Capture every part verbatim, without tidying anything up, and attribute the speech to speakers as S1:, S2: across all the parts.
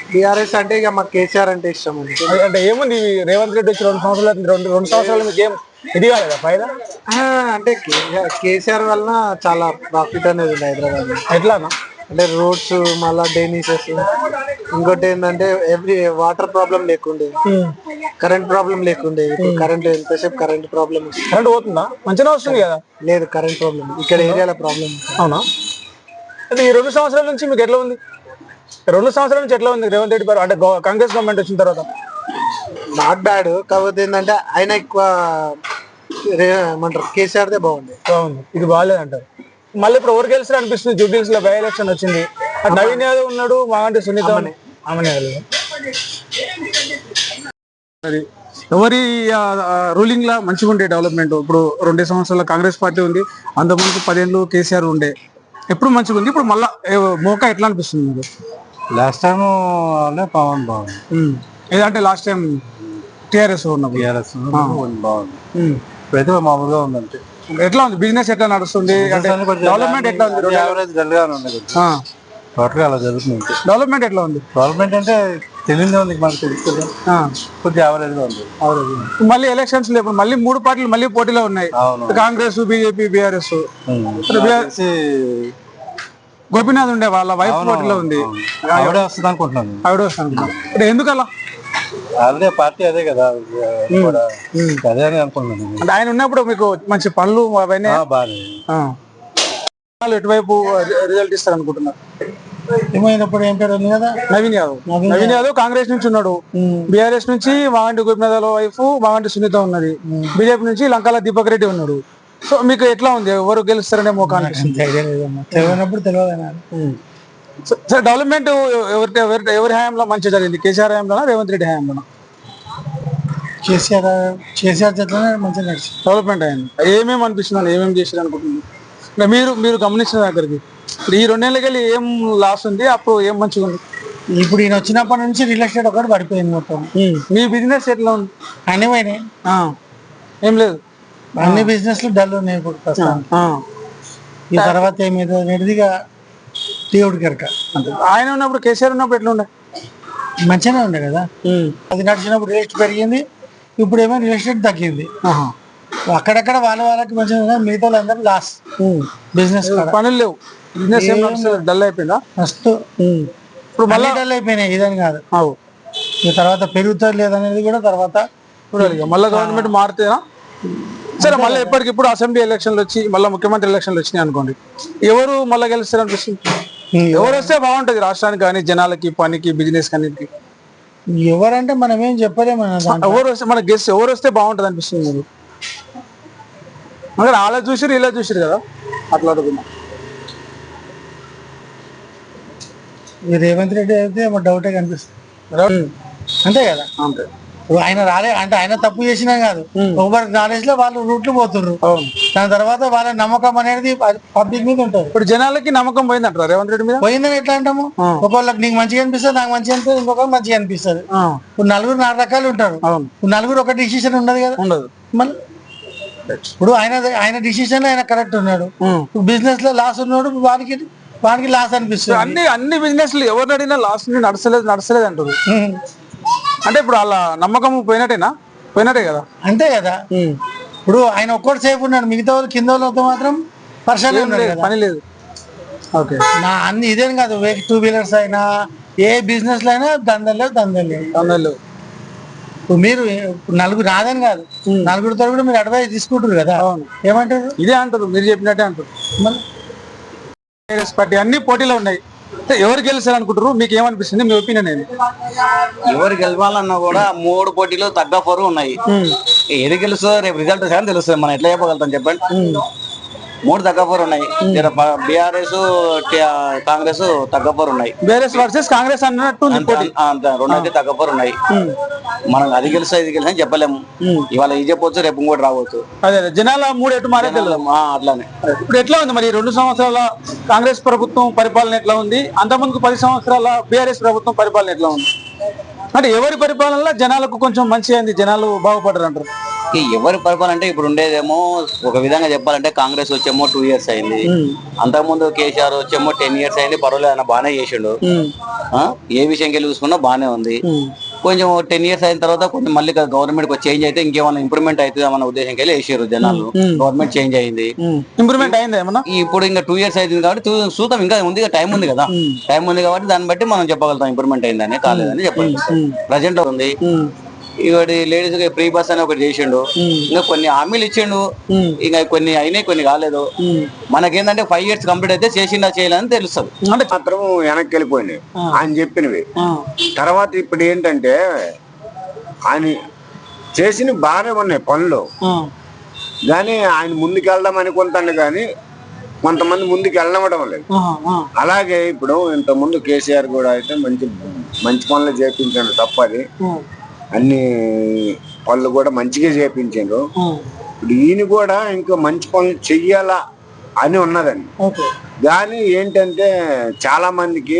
S1: BRS అంటే ఇక మాకు కేసీఆర్ అంటే ఇష్టం అండి.
S2: అంటే ఏముంది రేవంత్ రెడ్డి వచ్చి రెండు సంవత్సరాలు రెండు రెండు సంవత్సరాలు మీకు ఏం ఇది కాలేదా ఫైదా?
S1: అంటే కేసీఆర్ కేసీఆర్ వలన చాలా ప్రాఫిట్ అనేది ఉంది హైదరాబాద్.
S2: ఎట్లానా?
S1: అంటే రోడ్స్ మళ్ళా డ్రైనేజెస్, ఇంకోటి ఏంటంటే ఎవ్రీ వాటర్ ప్రాబ్లం లేకుండే, కరెంట్ ప్రాబ్లం లేకుండే. ఇప్పుడు కరెంట్ ఎంతసేపు కరెంట్ ప్రాబ్లం
S2: కరెంట్ పోతుందా? మంచిగా వస్తుంది కదా.
S1: లేదు, కరెంట్ ప్రాబ్లం ఇక్కడ ఏరియాలో ప్రాబ్లం.
S2: అవునా? అంటే ఈ రెండు సంవత్సరాల నుంచి మీకు ఎట్లా ఉంది? రెండు సంవత్సరాల నుంచి ఎట్లా ఉంది రేవంత్ రెడ్డి గారు అంటే కాంగ్రెస్ గవర్నమెంట్ వచ్చిన తర్వాత?
S1: నాట్ బ్యాడ్, కాకపోతే ఏంటంటే ఆయన ఎక్కువ ఏమంటారు కేసీఆర్దే బాగుంది.
S2: బాగుంది, ఇది బాగాలేదు అంటారు. మళ్ళీ ఇప్పుడు ఎవరు గెలిచారు అనిపిస్తుంది? జూబ్లీహిల్స్ లో బై ఎలక్షన్ వచ్చింది, నవీన్ యాదవ్ ఉన్నాడు, మాగంటి సునీత. ఎవరి రూలింగ్ లా మంచిగా ఉండే డెవలప్మెంట్? ఇప్పుడు రెండు సంవత్సరాల కాంగ్రెస్ పార్టీ ఉంది, అంతకుముందు పదేళ్ళు కేసీఆర్ ఉండే, ఎప్పుడు మంచిగా ఉంది. ఇప్పుడు మళ్ళా మోకా ఎట్లా అనిపిస్తుంది మీకు?
S1: లాస్ట్ టైం పవన్ బాగుంది.
S2: ఏదంటే లాస్ట్ టైం టీఆర్ఎస్ ఉన్నప్పుడు
S1: టీఆర్ఎస్ బాగుంది, ఇప్పుడైతే మామూలుగా ఉందంటే.
S2: ఎట్లా ఉంది బిజినెస్? ఎట్లా నడుస్తుంది? డెవలప్మెంట్ ఎట్లా ఉంది?
S1: టోటల్ అలా జరుగుతుంది.
S2: డెవలప్మెంట్ ఎట్లా ఉంది?
S1: డెవలప్మెంట్ అంటే తెలియదే ఉంది, మనకు తెలుస్తుంది, కొద్దిగా యావరేజ్ గా ఉంది.
S2: మళ్ళీ ఎలక్షన్స్ లో ఇప్పుడు మళ్ళీ మూడు పార్టీలు మళ్ళీ పోటీలో ఉన్నాయి, కాంగ్రెస్, బీజేపీ, బీఆర్ఎస్. గోపీనాథ్ ఉండే వాళ్ళ వైఫ్ పోటీలో ఉంది,
S1: ఆవిడే వస్తుంది అనుకుంటున్నాను.
S2: ఆవిడ వస్తుంది. ఇప్పుడు ఎందుకలా?
S1: అదే పార్టీ అదే కదా, అదే అని అనుకుంటున్నాను.
S2: అంటే ఆయన ఉన్నప్పుడు మీకు మంచి పనులు అవన్నీ ఎటువైపు రిజల్ట్ ఇస్తారు అనుకుంటున్నారు?
S1: ఏమైనప్పుడు ఏం పేరు ఉంది కదా,
S2: నవీన్ యాదవ్. నవీన్ యాదవ్ కాంగ్రెస్ నుంచి ఉన్నాడు, బీఆర్ఎస్ నుంచి మాగంటి గోపీనాథ్ వైఫ్ మాగంటి సునీత ఉన్నది, బీజేపీ నుంచి లంకాల దీపక్ రెడ్డి ఉన్నాడు. సో మీకు ఎట్లా ఉంది, ఎవరు గెలుస్తారనే మోకా
S1: తెలియనప్పుడు తెలియదు.
S2: సార్ డెవలప్మెంట్ ఎవరి ఎవరి ఎవరి హయాంలో మంచిగా జరిగింది? కేసీఆర్ హయాంలోనా రేవంత్ రెడ్డి హయాంలోనా?
S1: కేసీఆర్ కేసీఆర్ చేతనే మంచిగా నడిచింది,
S2: డెవలప్మెంట్ అయింది. ఏమేమి అనిపిస్తుంది, ఏమేమి చేశారు అనుకుంటున్నారు మీరు? మీరు గమనించిన దగ్గరికి ఈ రెండేళ్ళకి వెళ్ళి ఏం లాస్ ఉంది, అప్పుడు ఏం మంచిగా ఉంది?
S1: ఇప్పుడు ఈయన వచ్చినప్పటి నుంచి రియల్ ఎస్టేట్ ఒకటి పడిపోయింది మొత్తం.
S2: మీ బిజినెస్ ఎట్లా ఉంది?
S1: అన్ని పోయినాయి,
S2: ఏం లేదు,
S1: అన్ని బిజినెస్ డల్ ఉన్నాయి ఇప్పుడు ప్రస్తుతం. ఈ తర్వాత ఏమేదో అనేదిగా దేవుడి కనుక.
S2: ఆయన ఉన్నప్పుడు కేసీఆర్ ఉన్నప్పుడు ఎట్లా ఉండే?
S1: మంచిగానే ఉండే కదా, అది నడిచినప్పుడు రియల్ ఎస్టేట్ పెరిగింది, ఇప్పుడు ఏమో రియల్ ఎస్టేట్ తగ్గింది. అక్కడక్కడ వాళ్ళ వాళ్ళకి మంచిగా, మిగతా వాళ్ళందరూ లాస్. బిజినెస్
S2: పనులు లేవు, బిజినెస్ డల్ అయిపోయిందా?
S1: ఫస్ట్ ఇప్పుడు మళ్ళీ డల్ అయిపోయినాయి, ఇదని కాదు. ఈ తర్వాత పెరుగుతుంది లేదనేది కూడా తర్వాత
S2: మళ్ళీ గవర్నమెంట్ మారుతేనా? సరే, మళ్ళీ ఎప్పటికిప్పుడు అసెంబ్లీ ఎలక్షన్లు వచ్చి మళ్ళీ ముఖ్యమంత్రి ఎలక్షన్లు వచ్చినాయి అనుకోండి, ఎవరు మళ్ళీ గెలుస్తారు అనిపిస్తుంది? ఎవరు వస్తే బాగుంటది రాష్ట్రానికి కానీ, జనాలకి, పనికి, బిజినెస్ అన్నిటికి?
S1: ఎవరంటే మనం ఏం చెప్పలేము.
S2: ఎవరు వస్తే మన గెస్ట్ ఎవరు వస్తే బాగుంటది అనిపిస్తుంది మీరు? మరి అలా చూసిరు ఇలా చూసిరు కదా, అట్లా అడుగుతున్నా.
S1: ఈ రేవంత్ రెడ్డి అయితే డౌటే కనిపిస్తుంది, అంతే కదా. అంతే, ఆయన రాలే అంటే ఆయన తప్పు చేసినా కాదు, ఒకరికి నాలెడ్జ్ లో వాళ్ళు రూట్లు పోతుర్రు. దాని తర్వాత వాళ్ళ నమ్మకం అనేది పబ్లిక్ మీద ఉంటుంది.
S2: ఇప్పుడు జనాలకి నమ్మకం పోయింది అంటారు రేవంత్ రెడ్డి మీద.
S1: పోయిందని ఎట్లా అంటాము? ఒకళ్ళకి నీకు మంచిగా అనిపిస్తుంది, నాకు మంచిగా అనిపిస్తుంది, ఇంకొకరికి మంచిగా అనిపిస్తుంది. ఇప్పుడు నలుగురు నాలుగు రకాలు ఉంటారు, నలుగురు ఒక డిసిషన్ ఉండదు కదా.
S2: ఉండదు.
S1: మళ్ళీ ఇప్పుడు ఆయన ఆయన డిసిషన్ ఆయన కరెక్ట్ ఉన్నాడు, బిజినెస్ లో లాస్ ఉన్నాడు, వానికి వానికి లాస్ అనిపిస్తుంది.
S2: అన్ని అన్ని బిజినెస్ లో ఎవరిని అడిగినా లాస్ నడసలేదు నడసలేదు అంటారు. అంటే ఇప్పుడు వాళ్ళ నమ్మకం పోయినట్టేనా? పోయినట్టే కదా.
S1: అంతే కదా. ఇప్పుడు ఆయన ఒక్కటి సేఫ్ ఉన్నాడు, మిగతా వాళ్ళు కింద వాళ్ళతో మాత్రం పర్సన్
S2: పని లేదు. ఓకే,
S1: నా అన్ని ఇదేం కాదు, టూ వీలర్స్ అయినా ఏ బిజినెస్ లో అయినా దందలు లేవు, దందలు లేవు, దందలు లేవు. ఇప్పుడు మీరు నలుగురు రాదని కాదు, నలుగురితో కూడా మీరు అడ్వైస్ తీసుకుంటారు కదా. ఏమంటారు?
S2: ఇదే అంటారు, మీరు చెప్పినట్టే అంటారు. పార్టీ అన్ని పోటీలో ఉన్నాయి, ఎవరు గెలిచారు అనుకుంటారు? మీకు ఏమనిపిస్తుంది, మీ ఒపీనియన్ ఏంటి?
S3: ఎవరు గెలవాలన్నా కూడా మూడు పోటీలు తగ్గ ఫోర్ ఉన్నాయి. ఏది గెలుస్తుందో రేపు రిజల్ట్ కానీ తెలుస్తుంది, మనం ఎట్లా చెప్పగలుగుతాం చెప్పండి. మూడు తగ్గపోరు ఉన్నాయి, బీఆర్ఎస్ కాంగ్రెస్ తగ్గపోరు ఉన్నాయి.
S2: బీఆర్ఎస్ వర్సెస్ కాంగ్రెస్ అన్నట్టు
S3: రెండు అయితే తగ్గపోరు ఉన్నాయి. మనం అది గెలుస్తా ఇది గెలిచి చెప్పలేము, ఇవాళ ఇది చెప్పవచ్చు, రేపు ఇంకోటి రావచ్చు.
S2: అదే జనాల మూడు ఎటు మారే
S3: అట్లానే.
S2: ఇప్పుడు ఎట్లా ఉంది మరి రెండు సంవత్సరాల కాంగ్రెస్ ప్రభుత్వం పరిపాలన ఎట్లా ఉంది, అంతకుముందు పది సంవత్సరాల బీఆర్ఎస్ ప్రభుత్వం పరిపాలన ఎట్లా ఉంది? అంటే ఎవరి పరిపాలనలో జనాలకు కొంచెం మంచిగా అయింది, జనాలు బాగుపడరు అంటారు?
S3: ఈ ఎవరి పరిపాలన అంటే ఇప్పుడు ఉండేదేమో ఒక విధంగా చెప్పాలంటే కాంగ్రెస్ వచ్చేమో టూ ఇయర్స్ అయింది, అంతకుముందు కేసీఆర్ వచ్చేమో టెన్ ఇయర్స్ అయింది, పర్వాలేదు ఆయన బాగానే చేసిండు. ఆ, ఏ విషయంకి వెళ్ళి చూసుకున్నా బాగానే ఉంది. కొంచెం టెన్ ఇయర్స్ అయిన తర్వాత కొంచెం మళ్ళీ గవర్నమెంట్ చేంజ్ అయితే ఇంకేమైనా ఇంప్రూవ్మెంట్ అవుతుంది అన్న ఉద్దేశంకి వెళ్ళి వేసారు జనాలు. గవర్నమెంట్ చేంజ్ అయింది,
S2: ఇంప్రూవ్మెంట్ అయింది ఏమన్నా.
S3: ఇప్పుడు ఇంకా టూ ఇయర్స్ అవుతుంది కాబట్టి చూద్దాం, ఇంకా ఉంది టైం ఉంది కదా, టైం ఉంది కాబట్టి దాన్ని బట్టి మనం చెప్పగలుగుతాం ఇంప్రూవ్మెంట్ అయిందని కాలేదని చెప్పాలి. ప్రజెంట్ ఉంది ఇవాడి లేడీస్ ఫ్రీ బస్ అని ఒకటి చేసిండు, ఇంకా కొన్ని హామీలు ఇచ్చిండు, ఇంకా కొన్ని అయినాయి కొన్ని కాలేదు. మనకేంటంటే ఫైవ్ ఇయర్స్ కంప్లీట్ అయితే చేసిండా చేయలేదని తెలుస్తుంది.
S4: అంటే మాత్రం వెనక్కి వెళ్ళిపోయినాయి ఆయన చెప్పినవి. తర్వాత ఇప్పుడు ఏంటంటే ఆయన చేసినవి బాగానే ఉన్నాయి పనులు, కానీ ఆయన ముందుకు వెళ్దాం అనుకుంటాను కానీ కొంతమంది ముందుకు వెళ్ళవడం లేదు. అలాగే ఇప్పుడు ఇంత ముందు కేసీఆర్ కూడా అయితే మంచి మంచి పనులు చేపించాడు తప్పది, అన్ని పనులు కూడా మంచిగా చేపించాడు. ఇప్పుడు ఈయన కూడా ఇంకా మంచి పనులు చెయ్యాలా అని ఉన్నదండి. కానీ ఏంటంటే చాలా మందికి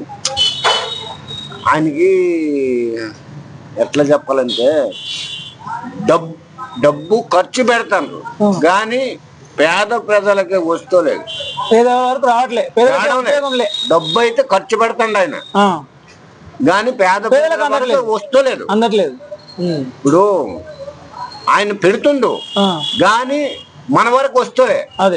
S4: ఆయనకి ఎట్లా చెప్పాలంటే డబ్బు డబ్బు ఖర్చు పెడతాను కానీ పేద ప్రజలకి వస్తలేదు, డబ్బు అయితే ఖర్చు పెడతాడు ఆయన గాని పేద ప్రజలకు వస్తలేదు
S2: అందట్లేదు.
S4: ఇప్పుడు ఆయన పెడుతుండు గాని మన వరకు వస్తలే.
S2: అదే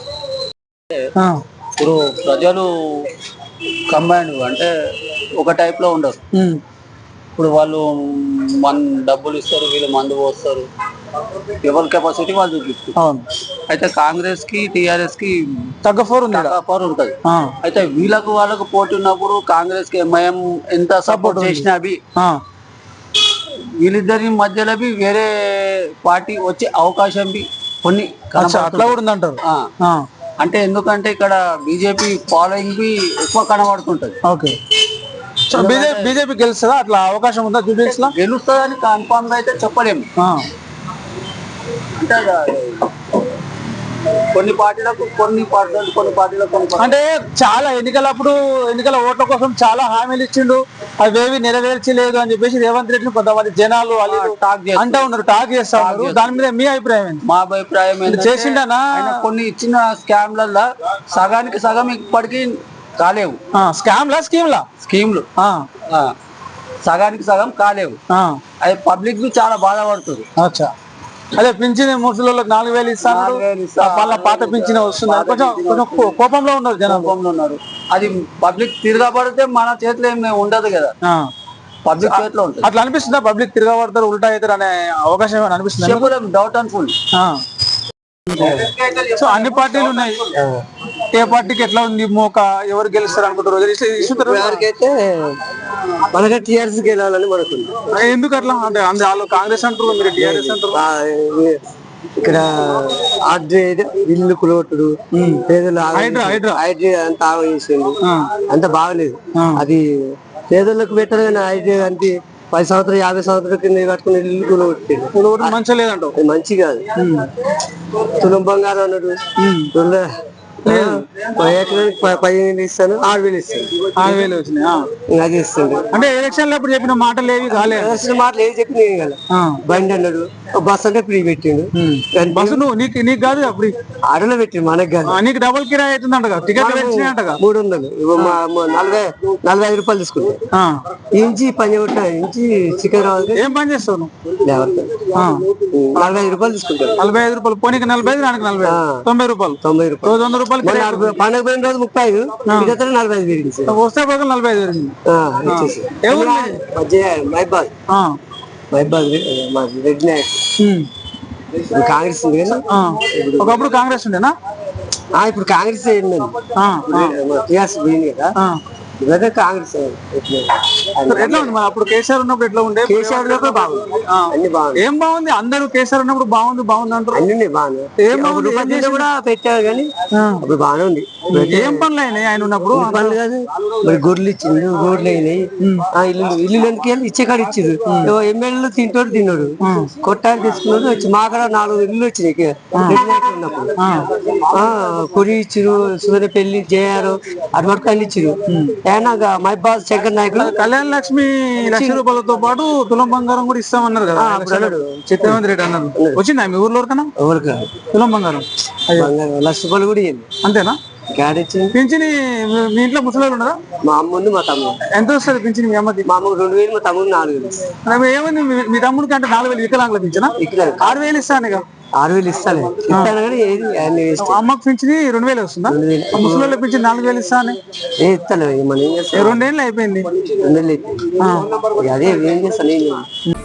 S3: ఇప్పుడు ప్రజలు కంబైండ్ అంటే ఒక టైప్ లో ఉండరు. ఇప్పుడు వాళ్ళు మన డబ్బులు ఇస్తారు, వీళ్ళు మందు పోస్తారు, ఎవరి కెపాసిటీ వాళ్ళు చూపిస్తారు. అయితే కాంగ్రెస్ కి టిఆర్ఎస్ కి
S2: తగ్గ ఫోర్ ఉంది
S3: ఫోర్ ఉంటది. అయితే వీళ్ళకు వాళ్ళకు పోటీ ఉన్నప్పుడు కాంగ్రెస్ కి ఎంఐఎం ఎంత సపోర్ట్ చేసినా అవి వీళ్ళిద్దరి మధ్యలో వేరే పార్టీ వచ్చే అవకాశం కొన్ని
S2: అట్లా కూడా ఉందంటారు.
S3: అంటే ఎందుకంటే ఇక్కడ బీజేపీ ఫాలోయింగ్ బి ఎక్కువ కనబడుతుంటది.
S2: Okay, BJP గెలుస్తుందా? అట్లా అవకాశం ఉందా? జూబ్లీస్ లో
S3: గెలుస్తుందని కన్ఫామ్ గా అయితే చెప్పలేము. అంటే కొన్ని పార్టీలకు కొన్ని పర్సెంట్, కొన్ని పార్టీలకు కొన్ని.
S2: అంటే చాలా ఎన్నికలప్పుడు ఎన్నికల ఓట్ల కోసం చాలా హామీలు ఇచ్చిండు, అవేవి నెరవేర్చలేదు అని చెప్పేసి రేవంత్ రెడ్డిని కొంతమంది జనాలు టాక్ అంటా ఉన్నారు, టాక్ చేస్తా ఉన్నారు. దాని మీద మీ అభిప్రాయం ఏంటి?
S3: మా అభిప్రాయం ఏంటి,
S2: చేసిండనా
S3: కొన్ని ఇచ్చిన స్కామ్లల్లో సగానికి సగం ఇప్పటికీ కాలేవు.
S2: స్కామ్ లా స్కీమ్ లా
S3: స్కీమ్లు సగానికి సగం కాలేవు. అది పబ్లిక్ చాలా బాధపడుతుంది.
S2: అచ్చా, అదే పింఛన్ ముసలిళ్ళకి నాలుగు వేలు ఇస్తాను, వాళ్ళ పాత పింఛన్ వస్తుంది, కొంచెం కొంచెం కోపంలో ఉన్నారు, జనం
S3: కోపంలో ఉన్నారు. అది పబ్లిక్ తిరగబడితే మన చేతిలో ఏమి ఉండదు కదా, పబ్లిక్ చేతిలో ఉంటుంది.
S2: అట్లా అనిపిస్తుందా? పబ్లిక్ తిరగబడతారు, ఉల్టా అవుతారు అనే అవకాశం ఏమైనా అనిపిస్తుంది?
S3: Doubt and full.
S2: సో అన్ని పార్టీలు ఉన్నాయి, ఏ పార్టీకి ఎట్లా ఉంది మోక, ఎవరు గెలుస్తారు అనుకుంటారు?
S5: ఎవరికైతే మనకి టీఆర్ఎస్ గెలాలని మనకుంది.
S2: ఎందుకు అట్లా? అంటే వాళ్ళు కాంగ్రెస్ అంటారు, మీరు టీఆర్ఎస్ అంటారు.
S5: ఇక్కడ ఇల్లు కులగొట్టుడు, పేదలు హైడ్రీ అంత ఆగం చేసిండు, అంత బాగలేదు. అది పేదలకు పెట్టారు కానీ హైడ్రీ అంటే పది సంవత్సరాలు యాభై సంవత్సరాల కింద కట్టుకుని ఇల్లు కులగొట్టిండు.
S2: కులగొట్టడం మంచిగా లేదంటావు?
S5: అది మంచి కాదు. తులం బంగారం అన్నాడు, పదిహేను ఇస్తాను, ఆరు వేలు ఇస్తాను,
S2: ఆరు వేలు వచ్చినాయి
S5: అది ఇస్తాడు.
S2: అంటే ఎలక్షన్ లో ఇప్పుడు చెప్పిన మాటలు ఏవి కాలేదు,
S5: మాటలు ఏవి చెప్పిన కదా. బండి అన్నాడు, బస్ అంటే ఫ్రీ పెట్టిండు.
S2: బస్సు నువ్వు నీకు నీకు కాదు ఫ్రీ,
S5: ఆటోలో పెట్టిండు, మనకు కాదు.
S2: నీకు డబుల్ కిరాయి అవుతుందంట, టికెట్ పెంచినాయంట.
S5: మూడు వందలు నలభై నలభై ఐదు రూపాయలు తీసుకుంటా. ఇంచి పని కొట్టిన ఇంచి చికెన్ రావాలి.
S2: ఏం పని చేస్తావు నువ్వు?
S5: నలభై ఐదు రూపాయలు తీసుకుంటాను.
S2: నలభై ఐదు రూపాయలు పోనీకి నలభై ఐదు, నాలుగు నలభై తొంభై రూపాయలు
S5: తొంభై రూపాయలు
S2: వంద రూపాయలు.
S5: పండుగ పోయిన రోజు ముప్పై ఐదు, నలభై ఐదు పెరిగింది.
S2: వస్తే పోక నలభై ఐదు పెరిగింది.
S5: మైబాద్ మైబాద్ రెడ్డి నాయక్ కాంగ్రెస్ ఉంది కదా.
S2: ఒకప్పుడు కాంగ్రెస్ ఉండేనా?
S5: ఇప్పుడు కాంగ్రెస్ టీఆర్ఎస్ పోయింది కదా, ఇవన్నీ కాంగ్రెస్.
S2: ఎట్లా ఉంది మరి అప్పుడు కేసీఆర్ ఉన్నప్పుడు ఎట్లా ఉండే?
S5: కేసీఆర్ ఉన్నప్పుడు బాగుంది, అన్ని బాగుంది.
S2: ఏం బాగుంది? అందరూ కేసీఆర్ ఉన్నప్పుడు బాగుంది బాగుంది అంటారు.
S5: అన్ని బాగుంది కూడా పెట్టారు కానీ అప్పుడు బాగానే ఉంది.
S2: ఏం పనులు అయినాయి ఆయన ఉన్నప్పుడు?
S5: పనులు కాదు, మరి గొర్రెలు ఇచ్చింది, రోడ్లు అయినాయి, ఇల్లు ఇల్లు ఎందుకు ఇచ్చే కాడ ఇచ్చింది. ఎమ్మెల్యేలు తింటోడు తిన్నాడు, కొట్టాలి తీసుకున్నాడు. వచ్చి మా కాడ నాలుగు ఇల్లు వచ్చినాయి ఉన్నప్పుడు. కొరి ఇచ్చిరు, సుధర పెళ్లి జయారు, అటు వరకు అన్ని ఇచ్చిరు. ఏనాక మైబాద్ శంకర్ నాయకులు
S2: కళ్యాణ లక్ష్మి లక్ష రూపాయలతో పాటు తులం బంగారం కూడా ఇస్తామన్నారు కదా రేవంత్ రెడ్డి అన్నారు. వచ్చిందా మీ ఊర్లో ఎవరికన్నా
S5: ఎవరికి
S2: తులం బంగారం?
S5: బంగారం లక్ష రూపాయలు కూడా ఇవ్వండి.
S2: అంతేనా?
S5: గాడి ఇచ్చింది.
S2: పింఛని మీ- మీ ఇంట్లో ముసలి ఉన్నారా?
S5: మా అమ్మ ఉంది, మా తమ్ముడు.
S2: ఎంత వస్తుంది పింఛని మీ అమ్మకి?
S5: మా అమ్మకు రెండు వేలు, మా తమ్ముడు నాలుగు వేలు.
S2: మరి ఏమైంది మీ- మీ తమ్ముడికి అంటే నాలుగు వేలు వికలాంగుల పింఛనా?
S5: ఇక్కడ
S2: ఆరు వేలు ఇస్తాను ఇక.
S5: ఆరు వేలు ఇస్తాను ఇస్తాను కానీ ఏది అన్ని వేస్ట్.
S2: అమ్మకి పింఛని రెండు వేలు వస్తుందా? ముసలి వాళ్ళకి పింఛని నాలుగు వేలు ఇస్తాను.
S5: ఏ ఇస్తాను మనం ఏం చేస్తాం?
S2: రెండేళ్ళు అయిపోయింది.
S5: రెండు వేలు అయితే అదే ఏం చేస్తాను ఏం చేస్తాను